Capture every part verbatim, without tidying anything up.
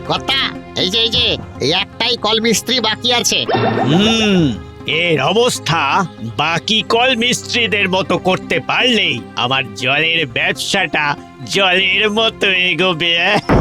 কথা এই যে এই যে এই একটাই কল মিস্ত্রি বাকি আছে। হুম এর অবস্থা বাকি কল মিস্ত্রিদের মতো করতে পারলেই আমার জলের ব্যবসাটা জলের মতো এগোবে।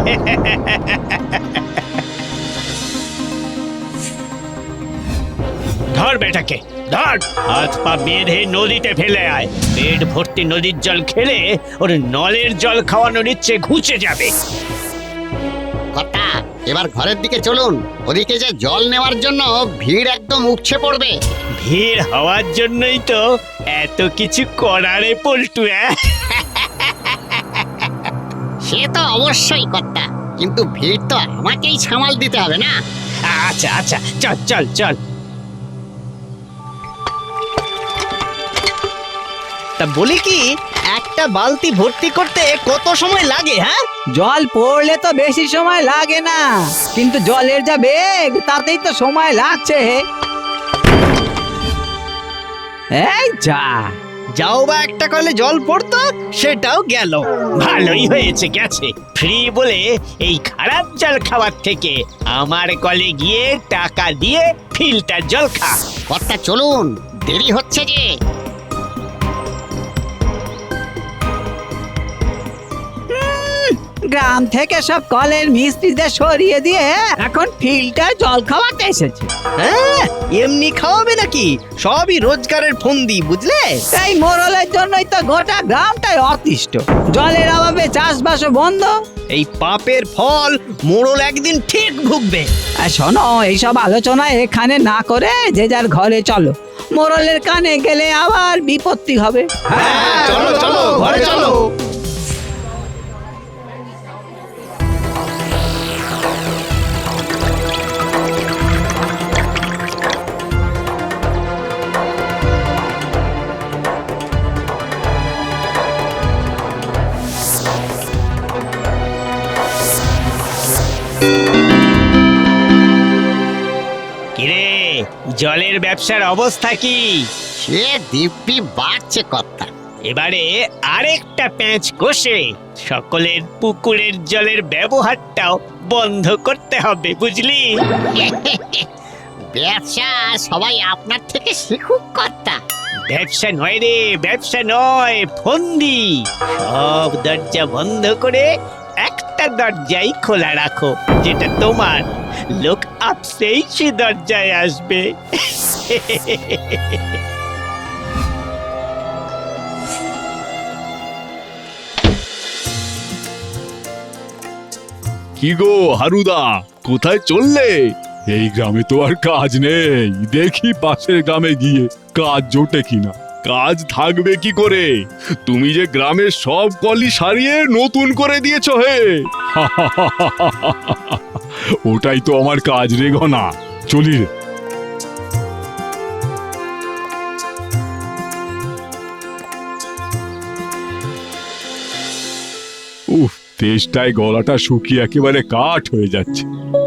ধর বেটাকে ধর, হাত পা বেঁধে নদীতে ফেলে আয়। পেট ভর্তি নদীর জল খেলে ওর নলের জল খাওয়ানোর ইচ্ছে ঘুচে যাবে। কথা এবার ঘরের দিকে চলুন, ওদিকে যে জল নেওয়ার জন্য ভিড় একদম উপচে পড়বে। ভিড় হওয়ার জন্যই তো এত কিছু করারে পল্টু। সে তো অবশ্যই কথা, কিন্তু ভিড় তো আমাকেই সামাল দিতে হবে না? আচ্ছা আচ্ছা চল চল চল। তা বলি কি, একটা বালতি ভর্তি করতে কত সময় লাগে? হ্যাঁ, জল পড়লে তো বেশি সময় লাগে না, কিন্তু জলের যা বেগ তাতেই তো সময় লাগছে। এই যা, যাও বা একটা কলে জল পড়তো, সেটাও গেল। ভালোই হয়েছে গেছে, ফ্রি বলে এই খারাপ জল খাওয়ার থেকে আমার কলে গিয়ে টাকা দিয়ে ফিল্টার জল খা। কথা চলুন, দেরি হচ্ছে যে। গ্রাম থেকে সব কলের মিস্ত্রিদের সরিয়ে দিয়ে এখন ফিল্টার জল খাওয়াতে এসেছে। হ্যাঁ, এমনি খাওয়াবে নাকি? সবই রোজগারের ফন্দি, বুঝলে? এই মোড়লের জন্যই তো গোটা গ্রামটাই অতিষ্ঠ। জলের অভাবে চাষবাসও বন্ধ। এই পাপের ফল মোড়ল একদিন ঠিক ভুগবে। আর শোনো, এইসব আলোচনা এখানে না করে যে যার ঘরে চলো। মোড়লের কানে গেলে আবার বিপত্তি হবে। হ্যাঁ, চলো চলো, ঘরে চলো। কিরে, জলের ব্যবসার অবস্থা কি? সে দিব্যি বাড়ছে কথা। এবারে আরেকটা প্যাঁচ কষে সকলের পুকুরের জলের ব্যবহারটাও বন্ধ করতে হবে, বুঝলি? ব্যবসা সবাই আপনার থেকে শিখুক কথা। ব্যবসা নয় রে, ব্যবসা নয়, ফন্দি। সব দরজা বন্ধ করে একটা দরজাই খোলা রাখো, যেটা তোমার। লোক আপসেই সে দরজায় আসবে। কি গো হারুদা, কোথায় চললে? এই গ্রামে তো আর কাজ নেই, দেখি পাশের গ্রামে গিয়ে কাজ জোটে কিনা। কাজ থাকবে কি করে? তুমি যে গ্রামের সব কলই সারিয়ে নতুন করে দিয়েছো হে। ওটাই তো আমার কাজ রে ঘনা, চলি রে। উফ, তেষ্টায় গলাটা শুকিয়ে একেবারে কাঠ হয়ে যাচ্ছে।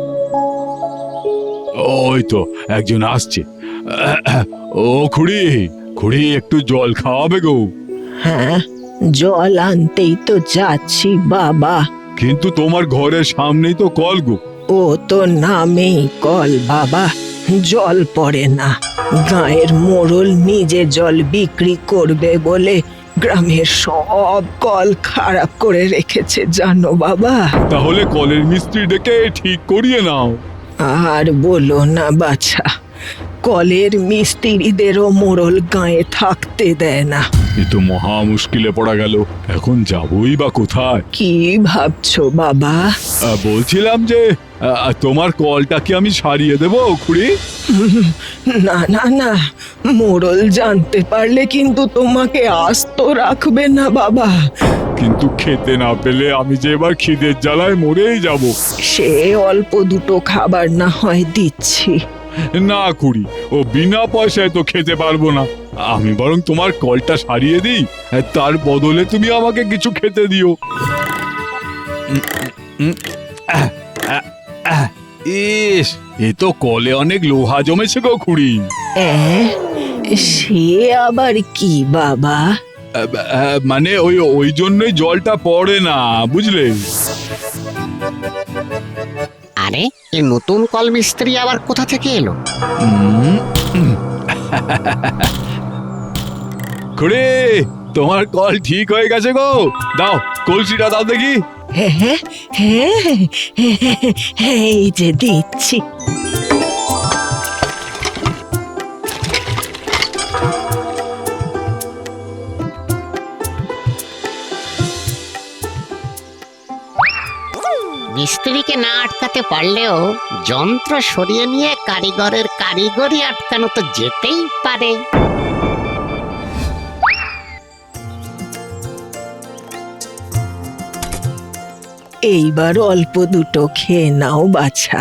ওই তো একজন আসছে। ও খুড়ি, খুড়ি একটু জল খাওয়াবে গো? হ্যাঁ, জল আনতেই তো যাচ্ছি বাবা। কিন্তু তোমার ঘরের সামনেই তো কল গো। ও তো নামেই কল বাবা, জল পড়ে না। গায়ের মোড়ল নিজে জল বিক্রি করবে বলে গ্রামের সব কল খারাপ করে রেখেছে জানো বাবা। তাহলে কলের মিস্ত্রি ডেকে ঠিক করিয়ে নাও। আর বলো না বাছা, কলের মিস্ত্রিদেরও মোড়ল গায়ে থাকতে দেয় না। এ তো মহা মুশকিলে পড়া গেল, এখন যাবই বা কোথায়? কি ভাবছো বাবা? আহ, বলছিলাম যে আহ, তোমার কলটা কি আমি সারিয়ে দেবো খুড়ি? না না না, মোড়ল জানতে পারলে কিন্তু তোমাকে আস্ত রাখবে না বাবা। কিন্তু খেতে না পেলে আমি যে এবার খিদের জ্বালায় মরেই যাব। সে অল্প দুটো খাবার না হয় দিচ্ছি। না খুড়ি, ও বিনা পয়সায় তো খেতে পারবো না। আমি বরং তোমার কলটা সারিয়ে দিই, তার বদলে তুমি আমাকে কিছু খেতে দিও। ইস, এ তো কলে অনেক লোহা জমেছে গো খুড়ি। অ্যাঁ, সে আবার কি বাবা? আহ, আহ, মানে ওই ওই জন্যই জলটা পড়ে না, বুঝলে? আরে এই নতুন কল মিস্ত্রি আবার কোথা থেকে এলো? খুড়ি, তোমার কল ঠিক হয়ে গেছে গো। দাও কলসিটা দাও দেখি। হ্যাঁ হ্যাঁ হ্যাঁ হ্যাঁ, এই যে দিচ্ছি। মিস্ত্রিকে না আটকাতে পারলেও যন্ত্র সরিয়ে নিয়ে কারিগরের কারিগরি আটকানো তো যেতেই পারে। এইবার অল্প দুটো খেয়ে নাও বাছা।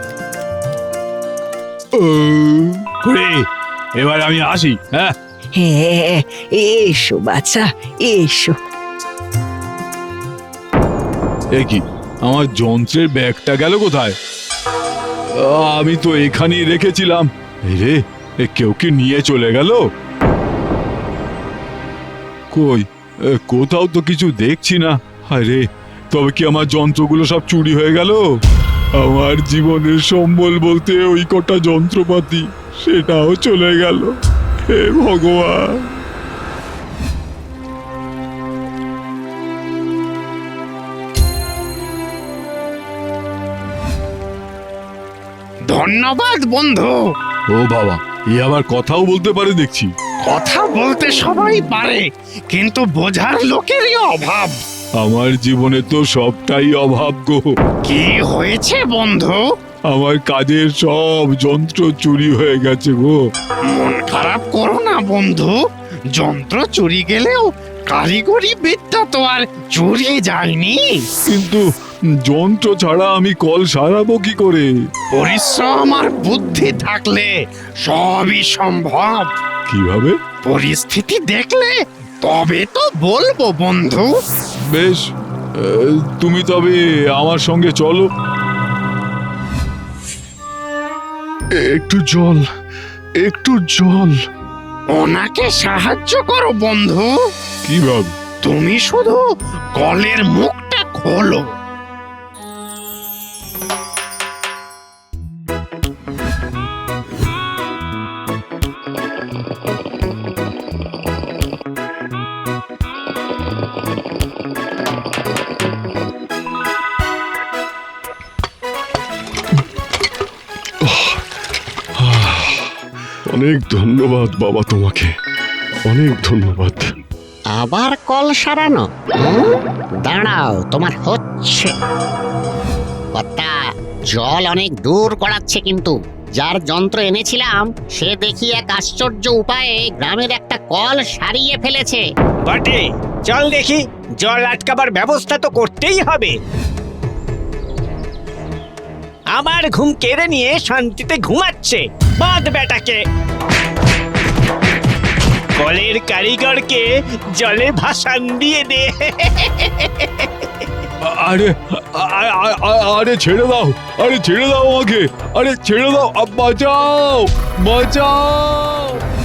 খুড়ি, এবার আমি আসি। হ্যাঁ, হ্যাঁ, এসো বাছা, এসো। এ কি, আমার যন্ত্রের ব্যাগটা গেল কোথায়? আমি তো এখানেই রেখেছিলাম। এই রে, এ কেউ কি নিয়ে চলে গেল? কই, এ, কোথাও তো কিছু দেখছি না। আরে, তবে কি আমার যন্ত্রগুলো সব চুরি হয়ে গেল? আমার জীবনের সম্বল বলতে ওই কটা যন্ত্রপাতি, সেটাও চলে গেল। হে ভগবান! ধন্যবাদ বন্ধু। ও বাবা, এ আবার কথাও বলতে পারে দেখছি। কথা বলতে সবাই পারে, কিন্তু বোঝার লোকেরই অভাব। আমার জীবনে তো সবটাই অভাব গো। কি হয়েছে বন্ধু? আমার কাজের সব যন্ত্র চুরি হয়ে গেছে গো। মন খারাপ করো না বন্ধু, যন্ত্র চুরি গেলেও কারিগরি বিদ্যা তো আর চুরি যায়নি। কিন্তু যন্ত্র ছাড়া আমি কল সারাবো কি করে? পরিশ্রম আর বুদ্ধি থাকলে সবই সম্ভব। কিভাবে? পরিস্থিতি দেখলে তবে তো বলবো বন্ধু। বেশ, আহ, তুমি তবে আমার সঙ্গে চলো। একটু জল, একটু জল। ওনাকে সাহায্য করো বন্ধু। কিভাবে? তুমি শুধু কলের মুখটা খোলো। অনেক ধন্যবাদ বাবা, তোমাকে অনেক ধন্যবাদ। আবার কল সারানো? হুম? দাঁড়াও, তোমার হচ্ছে। কর্তা, জল অনেক দূর গড়াচ্ছে, কিন্তু যার যন্ত্র এনেছিলাম সে দেখি এক আশ্চর্য উপায়ে গ্রামের একটা কল সারিয়ে ফেলেছে। বটে, চল দেখি। জল আটকাবার ব্যবস্থা তো করতেই হবে। আমার ঘুম কেড়ে নিয়ে শান্তিতে ঘুমাচ্ছে। বাদ বেটাকে। কলের কারিগরকে জলে ভাসান দিয়ে দে। আরে আ- আ- আ- আরে ছেড়ে দাও, আরে ছেড়ে দাও আমাকে, আরে ছেড়ে দাও, আ, বাঁচাও, বাঁচাও।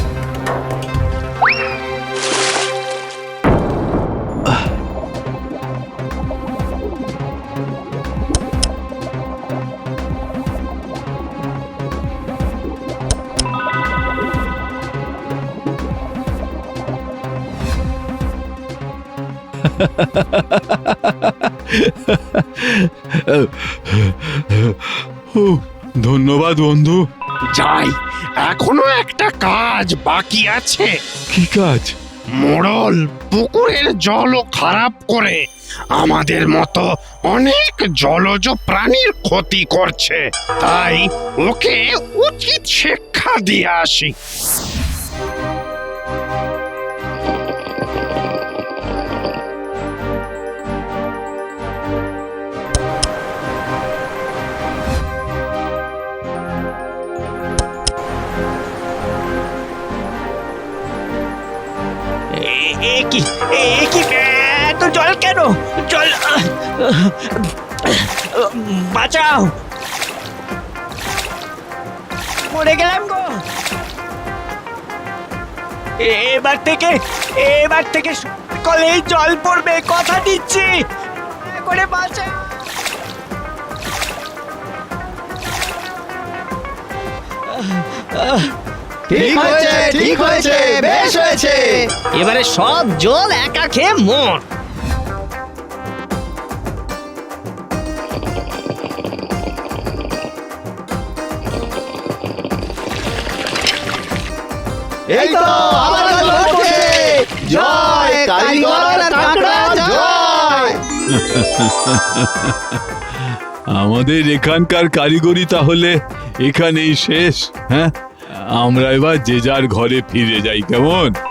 ও, ধন্যবাদ বন্ধু। যাই, এখনো একটা কাজ বাকি আছে। কি কাজ? মোড়ল পুকুরের জলও খারাপ করে আমাদের মতো অনেক জলজ প্রাণীর ক্ষতি করছে। তাই ওকে উচিত শিক্ষা দিয়ে আসি। এ- এ কি এ কি এত জল কেন? জল, আহ, আহ, বাঁচাও, মরে গেলাম গো। এবার থেকে এবার থেকে কলেই জল পড়বে, কথা দিচ্ছি। দয়া করে বাঁচাও। ঠিক হয়েছে ঠিক হয়েছে বেশ হয়েছে এবারে সব জল একা খেয়ে মর। এই তো আবার জল পড়ছে। জয় কারিগর আর কাকড়া জয়। আমাদের এখানকার কারিগরি তাহলে এখানেই শেষ। হ্যাঁ, আমরা এবার যে যার ঘরে ফিরে যাই, কেমন?